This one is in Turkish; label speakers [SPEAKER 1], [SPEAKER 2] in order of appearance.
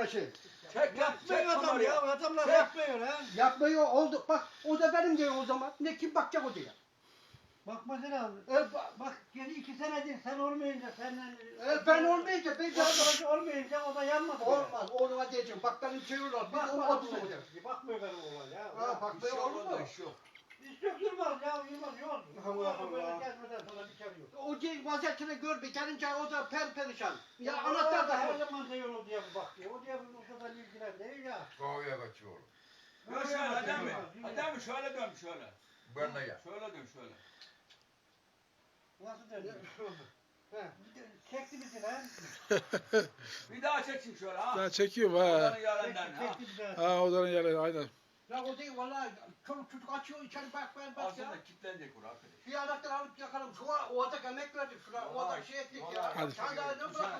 [SPEAKER 1] şey.
[SPEAKER 2] Çek
[SPEAKER 3] Yapmıyor adam
[SPEAKER 2] kamerayı.
[SPEAKER 3] ya. Adamlar
[SPEAKER 2] Çek.
[SPEAKER 3] yapmıyor lan.
[SPEAKER 1] Yapmıyor oldu. Bak o da benim diyor o zaman. Ne kim bakacak o diye.
[SPEAKER 3] Bakmasın abi.
[SPEAKER 1] Bak.
[SPEAKER 3] Bak geri 2 senedir sen olmayınca senden...
[SPEAKER 1] Ben olmayınca ben
[SPEAKER 3] Sen olmayınca o da yanmadı.
[SPEAKER 1] olmaz. Oğluma diyeceğim. Bak benim çeviriyorlar. Biz onu atın olacak.
[SPEAKER 3] Bakmıyor benim oğlan ya.
[SPEAKER 1] Ha bak
[SPEAKER 2] Bir
[SPEAKER 1] ben
[SPEAKER 2] şey
[SPEAKER 1] olur
[SPEAKER 2] olmadı,
[SPEAKER 1] mu?
[SPEAKER 2] iş yok.
[SPEAKER 3] Hiç yok durmaz ya. Yılmaz yok.
[SPEAKER 1] Allah Allah.
[SPEAKER 3] Böyle gezmeden sonra bir kere yok.
[SPEAKER 1] O değil vaziyetini gör bir gelince o da perişan. Ya anahtar da
[SPEAKER 3] her
[SPEAKER 1] yok.
[SPEAKER 3] zaman da yolu diye bak diyor. O diye bu kadar ilgilen değil ya.
[SPEAKER 4] Kahveye kaçıyor.
[SPEAKER 2] Dön şöyle Adem mi? Adem mi şöyle dön şöyle.
[SPEAKER 4] Ben de ya.
[SPEAKER 2] Şöyle dön şöyle.
[SPEAKER 3] Nasıl dönüyor? Çekti bizi lan.
[SPEAKER 2] Bir daha çeksin şöyle ha.
[SPEAKER 5] Ben çekiyorum ha.
[SPEAKER 2] Odanın yarından ha.
[SPEAKER 3] Çekti bizi.
[SPEAKER 5] Ha odanın yeri aynen.
[SPEAKER 1] Ya o değil vallahi çoluk çocuk açıyor içeri bak ya.
[SPEAKER 2] Aslında kilitlenecek orası arkadaş.
[SPEAKER 1] Bir anahtar alıp yakalım. Şu an o adam emek verdik şuna. O adam şey ettik ya.
[SPEAKER 2] Vallahi.
[SPEAKER 5] Hadi.
[SPEAKER 1] Sen daha ne bırakıyorsun?